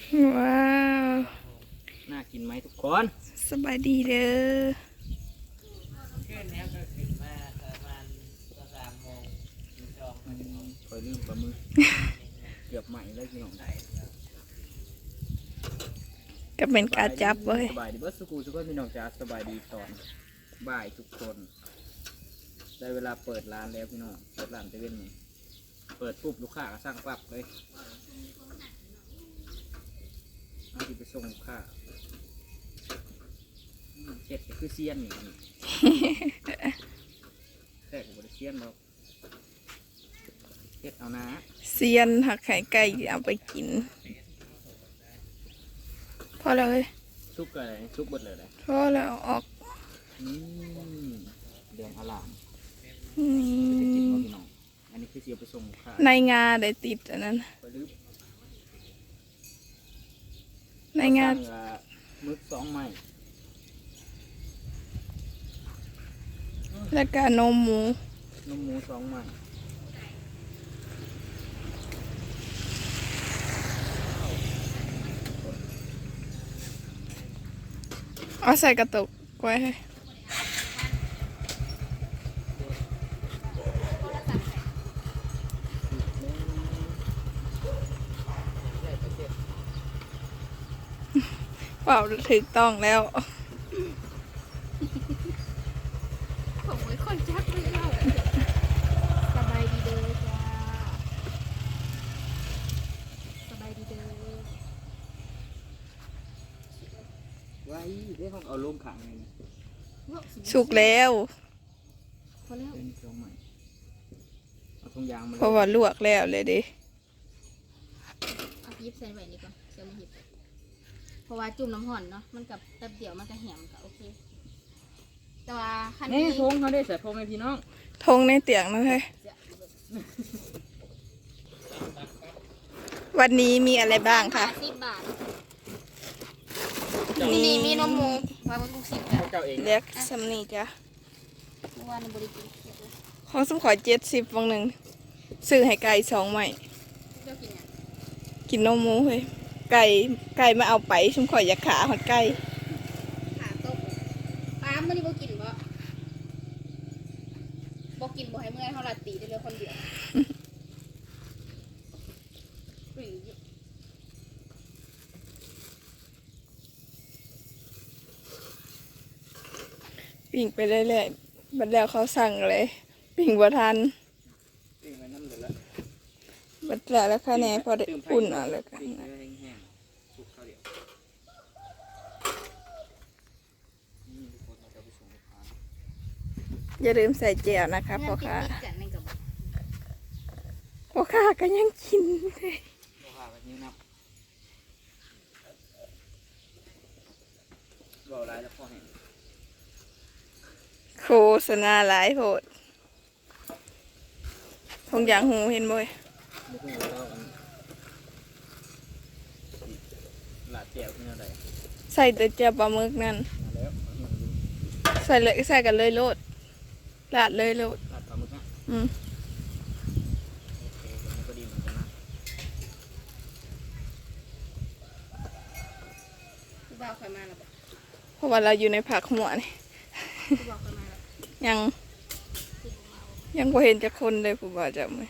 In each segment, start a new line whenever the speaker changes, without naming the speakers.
ว้าว
น่ากินไหมทุกคน
สบายดีเด้อ
คอยลืมปลาหมึกเกือบใหม่เลยพี่น้อง
ก็เป็นการจับเว้ย
สบายดีเบิร์ดสกูทุกคนพี่น้องจ้าสบายดีตอนบ่ายทุกคนได้เวลาเปิดร้านแล้วพี่น้องเปิดร้านเซเว่นนี่เปิดปุ๊บลูกค้าก็สร้างปั๊บเลยเอาที่ไปส่งลูกค้าเห็ดก็คือเซียนนี่แท้กับบริเซียนเราเห็ดเอานะ
เซียนหักไข่ไก่เอาไปกินพอเลย
ซุปอะไรซุปบดเลยเลย
พอแล้วออก
เดือนอลาม
นี่
จะกินมาพี่น้องอันนี้คือเสียไปส่งลูกค้า
ในงาได้ติดอันนั้นในงา
มึก2 ไม้
แล้วก็นมหมู
2 ไม้
เอาใส่กระตุกไว้ให้เปล่าถูกต้องแล้ว
ผมไม่ค่อยจักเลยเล่าสบายดีเด้อจ้าสบายดีเด้อ
ไว้ได้ห้องเอาลงขังเลยนะ
สุกแล้ว
พอแล้ว
เป็น2 ไม้เอาถุงยางมา
เพราะว่าลวกแล้วเลยดิ
เอายิบใส่ไว้นี่ก่อนเดี๋ยวมาหยิบเพราะว่าจุ่มน้ำห่อนเนาะมันกับแป๊บเดียวมันก็แหมก็โอเคแต่ว่าคัน
นี่
นี้
ทงเขาได้ใส่พงไหมพี่น้อง
ทงในเตียงนะเฮ้ยวันนี้มีอะไรบ้างคะ
10 บาทนี่มีนมหมูไว้บนกุก10 บาท
เจ้าเอง
เรียกซัมนี่จ้ะ
เมื่อวานในบริกิน
ของสมขอ70วังหนึ่งซื้อให้ไก่2 ไม้
เจ้ากินยัง
กินนมหมูเฮ้ยไก่มาเอาไปสมขออยากขาหอดไก่
ขาต้มปลาเมื่อนี้บ่กินบ่กินบ่ให้เมื่อยเท่าไรตีได้เลยคนเดียว
ปิ่งไปเรื่อยๆบัดแล้วเขาสั่งเลยปิ่งบ่ทัน
ปิ้งไว้น้ำเหลือละ
บัดแล้วค่ะแน่พอได้อุ่นเอ่ะแล้วกัน
ปิ้งไว้แห้งๆสุกข้าวเดียวนี่ทุกคนเราจะไปส่งลูกค้า
อย่าลืมใส่แจ่วนะคะพ่อค้า
กันในกระบอก
พ่อค้าก็ยังกินเลย
ลูกค้าแบบนี้นับรออะไรแล้วพ่อเห็น
โฆษณาหลายโพดทงอย่างหูเห็นบ่อย
มุกหัวเราอันหลาดแก้วที่อะไร
ใส่แต่แจ่วปลาหมึกนั่น
มาแล้ว
ใส่กันเลยโลดลาดเลยโลด
หลาดปลาหมึกนะ
อืม
โอเคมันก็ดีเหมือนกันนะ
ผู้บ่าวเคยมาแล้วบอก
เพราะว่าเราอยู่ในผักหัวนี่
ผู้บ่าวเคยมาแล้ว
ยังบ่เห็นจะคนเลยผู้บ่าวจะไม่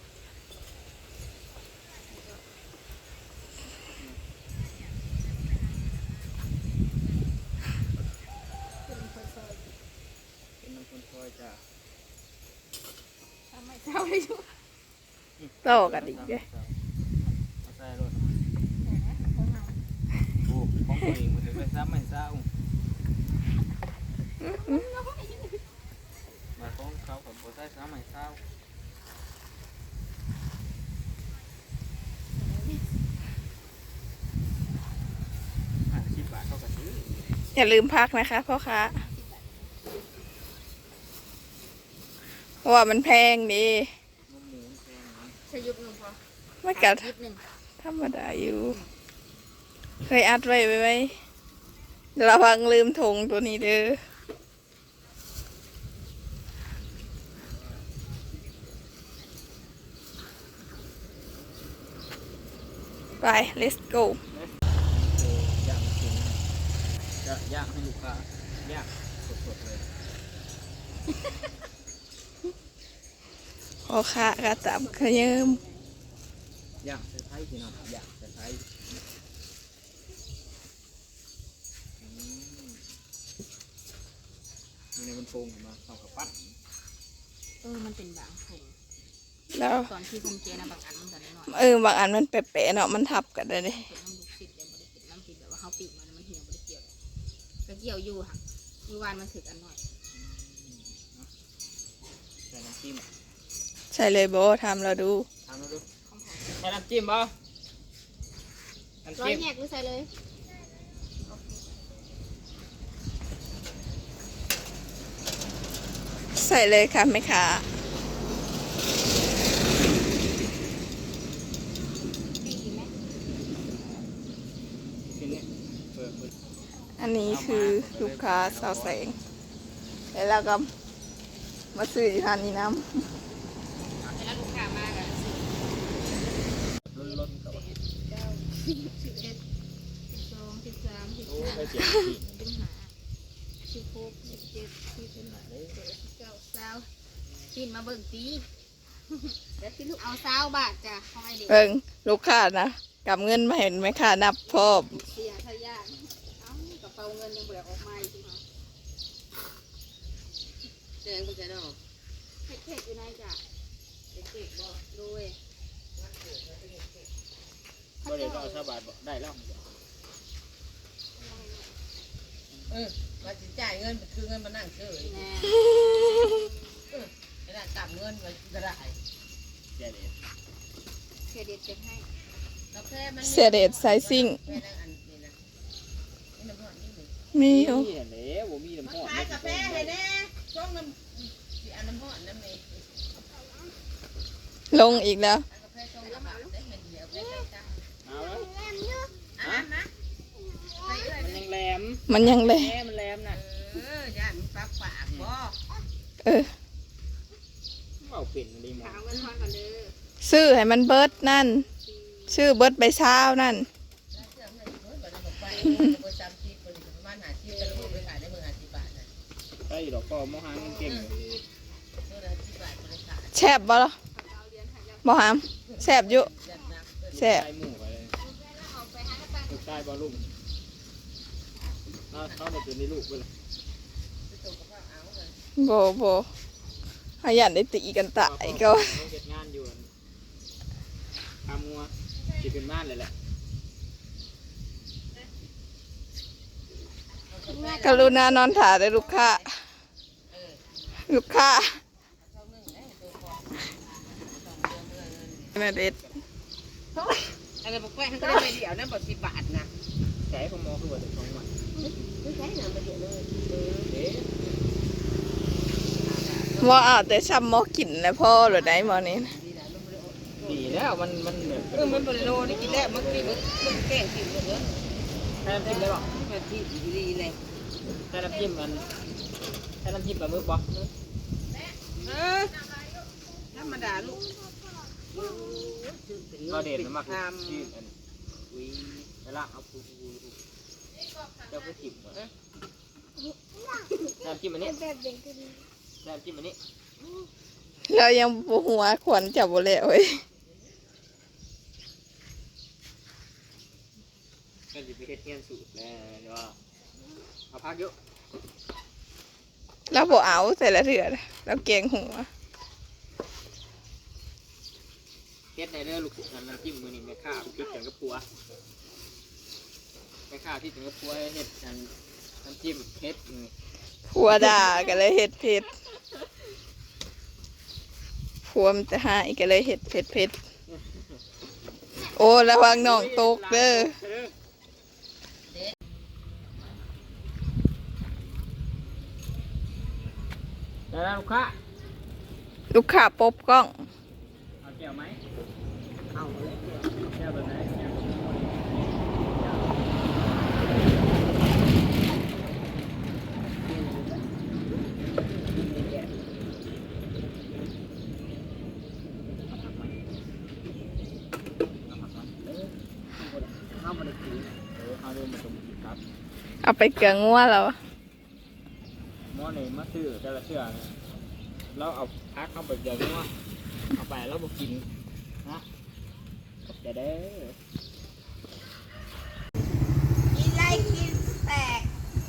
เป็นคนซอย
เป็นน้ำคนคอยจ้า
ทำไมเจ้าไม่รู้
ต่อกันอีกเลย
เอาใส่รถโอ้ของตัวเองมันจะไปซ้ำไม่เศร้ามาของเขากับโบใส่ซ้ำไม่เศร้า10 บาทเขาก็ซื้อ
อย่าลืมพักนะคะพ่อค้าเพราะว่ามันแพงดี
นมหมูแพงนะ
ใช้ยุบหนึ่งพอ
ไม่กัด
ยุบหนึ่ง
ธรรมดาอยู่เคยอัดไว้ไหมเดี๋ยวระวังลืมถุงตัวนี้เด้อไป let's go
Let's ก็ย่างสดๆเลย
พอค่ะกระตับขยืม
ย่างใส่ไผ่พี่น้องย่างใส่ไผ่มีในมันโป่งมาเข้ากับปั้น
มันเป็นบางผง
แล้ว
ตอนที่ผมเจนะบางอันมันกันน้อย
บางอันมันแปะๆเนาะมันทับกันได้เลย
เป็นน้ำลูกศิษย์เลยบ่ได้เป็นน้ำศิษย์แบบว่าเขาปีกมันเหี่ยวบ่ได้เกี่ยวก็เกี่ยวอยู่ค่ะอยู่วานมันถึกอันน้อย
ใส่น้ำจิ้ม
ใช่เลยโบทำเราดู
ทำแล้วดู
ของ
ใส่น้ำจิ้มบ่น้ำ
ร้อย
จิ้ม
แยกหรือใส่เลย
ใส่เลยค่ะแม่ค้า
ดีไหม
ทีนี้เปิด
อันนี้คือลูกค้าสาวแสงแล้วเราก็มาซื้ออยู่ทานนี้น้
เวลาลูกค้ามากอะ
ล้นๆกับ
11 12 13
โอ้
14
ยเจ็บจริง
15 16 17 18 19 20กินมาเบิ่งตีเอา20 บาทจ้ะของไอเด็ก
ำเบิ่งลูกค้านะกำเงินมาเห็นไหมค่ะนับพร้อม
เสียทายาทเอ้ากระเป๋าเงินยังเบิกออกมาอยู่ค่ะ
แดงก็จะเนาะ
เค้กอยู่ไหนจ้ะเค้กบ่โดย
ก็เลยก็เอาชาบาทได้แล้ว
มาสิจ่ายเงินคือเงินมานั่งเฉย
แน่
เวลากลับเงินมันก็ได้
แย่เลย
เสียเด็ดเก็บให้
กาแฟมัน
เสียเดชไซซิ่ง
แม่นั่งอันนี้นะนี่น้ำหอมนี่หนึ่ง
มีอยู่
นี่แหละผมมีน้ำหอม
ขายกาแฟให้แน่ช่วงน้ำสีอันน้ำหอมน้ำเมย์
ลงอีกแล้ว
กาแฟช่วงน้ำหอมได้เงินเดียวได้จ้า
เอาแล้ว
อันนั้นนะไปเรื่อย
มันยังแหลม
มันยังเลย
แม่มันแหลมน่ะ
ย่านปากปากบ่
เออ
เอาปิ่นมันดีหมด
ขาวเงินทอนก่อนเด้อ
ซื้อให้มันเบิร์ดนั่น ชื่อเบิร์ดใบเช้านั่น
เสื้อเงินเงินก่อนจะไปเบอร์30คนประมาณ50จะรู้ไปขายได้เบอร์50 บาทนะ
ใช่ดอกก็มองหาเงินเก่งอยู่
เบอร์50 บาทคนขาย
แซ่บบ่ล่ะบ่หามแซ่บอยู่
ยันนัก
แซ่บ
ใส่หมูไปเลย
เอาไปหากระตัง
ลูกชายบอลลูกเข้ามาเป็นในลูกไปเลย
ตัวกับข้าวเอาเลย
โบขยันได้ตีกันตายก็
เก็บงานอยู่ทำงัวจิเป็นม่านเลยแหละ
กรุณานอนถ่าได้ลูกค้า ลูกค้านาเด็ด
อะไรบอกแป้งก็ได้ไปเดียวนะบอก10 บาทนะ
ใช้ของมอคือว่าจะของมัน
ไม่ใช่นะไปเดียวเลย
เอ๊ะ
ว่าเอาแต่ซ้ำหมอกินแล้วพ่อหรือไดหมอนี้นะ
ดีแล้วมันแบบ
มันบริโลนี่กินแล้วมันกินมันแกงกินหมดเลย
ใช้น้ำจิ้มได้ป่ะ
มันที่ดีเลย
ใช้น้ำจิ้มมันใช้น้ำจิ้มปลาหมึกป่ะ
ธรรมดาลูก
ก็เด่นมากที่อันวิเวลาเอาปูเจ้าไปจิ้มน้ำจิ้มอันนี้น้ำจิ้มอันนี้
เรายังปวหัวขวัญจับบ่แล้วเว้ย
ก็จะไปเฮ็ดเทียนสูตรแล้วว่าเอาพักเยอะ
เราบ่เอาแต่ละเถื่อเราเกรงหัว
เฮ็ดในเรื่องลูกน้ำจิ้มมือนี่แม่ข้าวคิดกันกับปัวแม่ข้าวที่ถึงกับปัวเฮ็ดน้ำจิ้มเฮ็ด
ผัวด่าก็เลยเห็ดเผ็ดผัวมันจะหายก็เลยเห็ดเผ็ดโอ้ระวังน้องตกเด้อ
แล้วลูกค้า
ลูกค้าปบกล้อง
เอาแก้วไหมเอาแก้วแบบไหนเอามาเลยกินเอาเรื่องมาตรงครับ
เอาไปเกลืองัวแล้ว
เซื้อแต่ละเสื้อเนี่ยเราเอาพักเข้าไปเดี๋ยวนี้ว่าเอาไปแล้วบ่กินนะขอบใจเด้อ
กินไรกินแตก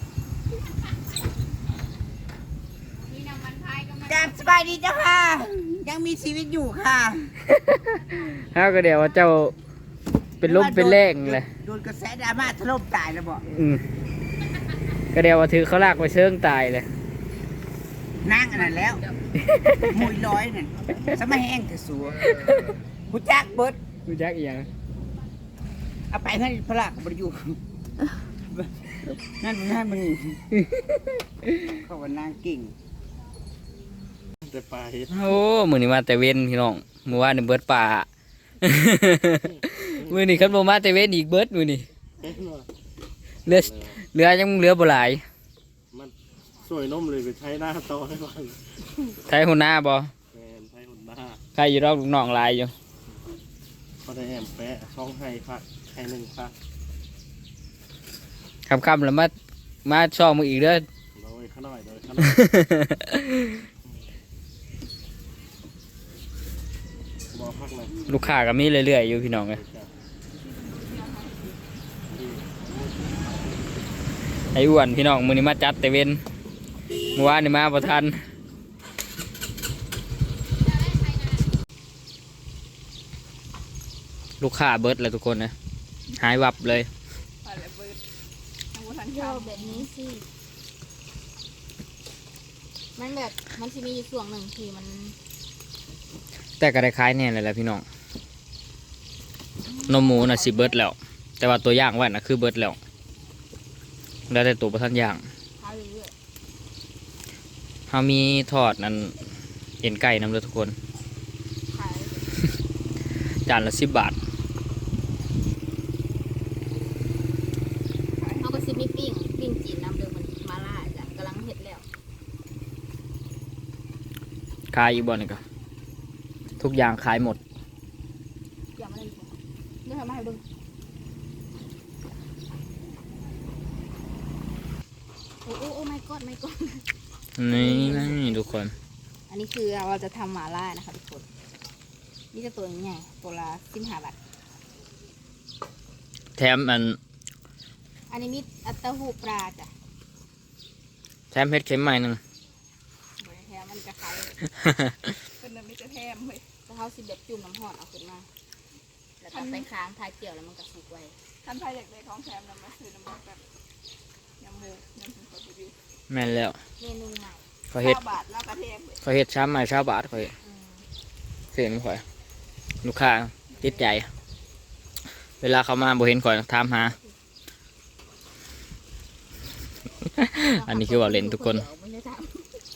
มีน้ำมันพายก็มา
จับสบายดีจ้าค่ะ ยังมีชีวิตอยู่ค่ะ
ฮะก็เดี๋ยวว่าเจ้าเป็นลมเป็นแรงเลย
โดนกระแสดราม่าถล่มตายแล้วบอก
ก็เดี๋ยวว่าถือเขาลากไปเชิงตายเลย
นั่งอันนั้นแล้วมวยร้อยนั่นสมัยแห้งเถอะสัวผู้จักเบิด
รู้จักอีหยัง
เอาไปให้พระลักบริยูนั่นมึงเขาว่านางกิ่ง
แต่ปลาเห็ด
โอ้มือนี้มาแต่เว้นพี่น้องมือว่านี่เบิดป่า มือนี้คันบ่มาแต่เว้นอีกเบิดมือนี้เหลือเหลือยังเหลือบ่หลาย
มันสวยนมเลยไปใช้หน้าต่อให้ก่อน
ใช้หัวหน้าบ่
แฟนใช้หุ่นหน้า
ใครอยู่รอบลูกน้องหลายอยู่
ก็ได้แอมแปะช่องให้ค่ะให้หนึ่งค่ะ
ค่ำๆแล้วมาช่องมืออีกเด้อ
โดยข้าน้อยโดยข้าน้อยบอกพักเลย
ลูกค้าก็มีเรื่อยๆอยู่พี่น้องเอ้ยไอ้อ้วนพี่น้องมื้อนี้มาจัดแต่เว้นเมื่อวานนี่มาบ่ทันลูกค้าเบิดแล้วทุกคนนะหายวับเลย
ไปแล้วเบิดทั้งบ่ทัน
โย
ข้าว
แบบนี้สิมันแบบมันจะมีอยู่ส่วนหนึ่งที่มัน
แต่ก็ได้คล้ายแน่เลยแหละพี่น้องนมหมูน่ะสิเบิดแล้ว แต่ว่าตัวย่างไว้น่ะคือเบิดแล้วแล้วแต่ตัวประทันย่าง
ขายเรื่อย
เฮามีทอดนั่นเอ็นไก่นำเด้อทุกคน
ๆขาย
จานละ10 บาท
เอาก็ซิมีปิ้งจีนน้ำเดิมมันมาล่าจ้ะกำลังเห็ดแล้ว
ขายอีกบ่นี่ก็ทุกอย่างขายหมด
อย่ามาเล่นผมเดี๋ยวทำมาให้เบิ่งโอ้ my god my god
นี่ทุกคน
อันนี้คือเราจะทำหม่าล่านะคะทุกคน นี่จะตัวใหญ่ตัวละ15 บาท
แถมอัน
อันนี้มีอัตเต้าหู้ปลาจ้ะ
แถมเฮ็ดเข็มใหม่หนึง
บริแทมมันจะขาย
เพิ่นน่ะมีแต่แถมเว้ย
จะเขาสิแบบจุ่มน้ำหอดเอาขึ้นมา แล้วก็ไปค้างทายเกี่ยวแล้วมันก็สุกไว้
ท่านไผอยากได้ของแถมนำมาซื้อน้ำมันแบบยำหมูยำหมูกระปุก
แม่นแล้ว
เมนูใหม่
เขาเฮ็ด
9 บาทแล้วก็แถมเว้ย
เขาเฮ็ดช้ำใหม่ชาวบาทเขา
อืม
เสียงข่อยลูกค้าติดใจ เวลาเขามาบ่เห็นข่อยถามหา อันนี้คือว่าเล่นทุกคน
เดี๋ยวไม่ได้ทำ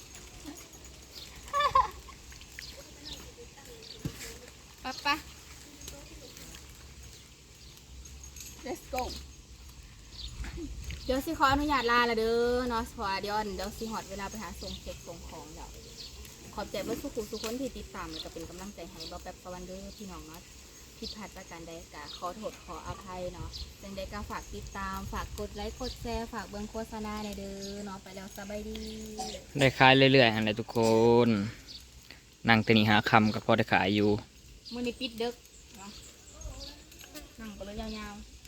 ปะ
let's go
เดี๋ยวสิขออนุญาตลาละเด้อเนาะเพราะว่าเดี๋ยวสิหอดเวลาไปหาส่งเก็บส่งของเดี๋ยวขอบใจเบิดทุกคนที่ติดตามแล้วก็เป็นกำลังใจให้บ่แป๊บประวันเด้อพี่น้องเนาะผิดพลาดประการใดก็ขอโทษขออภัยเนาะจังใดก็ฝากติดตามฝากกดไลค์กดแชร์ฝากเบิ่งโฆษณาได้เด้อเนาะไปแล้วสบายดี
ได้ขายเรื่อยๆหั่นแหละทุกคน นั่งแตนี่หาคำก็พอได้ขายอยู่
มื้อนี้ปิดดึกเนาะนั่งไปเลยยาวๆ